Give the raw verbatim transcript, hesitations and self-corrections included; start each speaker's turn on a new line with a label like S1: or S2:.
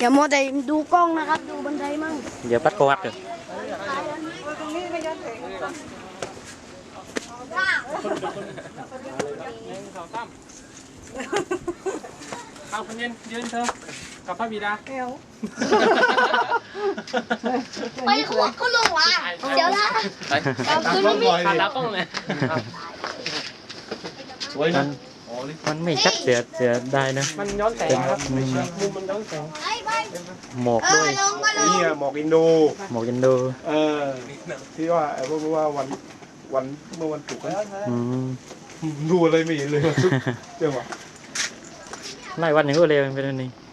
S1: อย่ามัวแต่ดูกล้องนะครับดูบันไดมั่ง
S2: เดี๋ยวปัดกวัดเลย
S3: เอาคนยืนยืนเธอกับพระบิดาเอว
S1: ไปขวดก็ลงว่ะเดี๋ยวนะเอาคืนไม่
S3: ขาดตากล้องเลย
S2: สวยนะมันไม่ชัดเสียเสียได้นะ
S3: มันย้อนแสงครับมุมมันย้อนแสง
S2: หมอกด้วย
S4: นี่หมอกอินโด
S2: หมอกอินโด
S4: เออที่ว่าเพราะว่าวันวันเมื่อวันศุกร์ดูอะไรไม่เห็นเลยวันศุกร์เจ้าว่ะ
S2: ไล่วันอย่างก็เร็วเป็นแบบนี้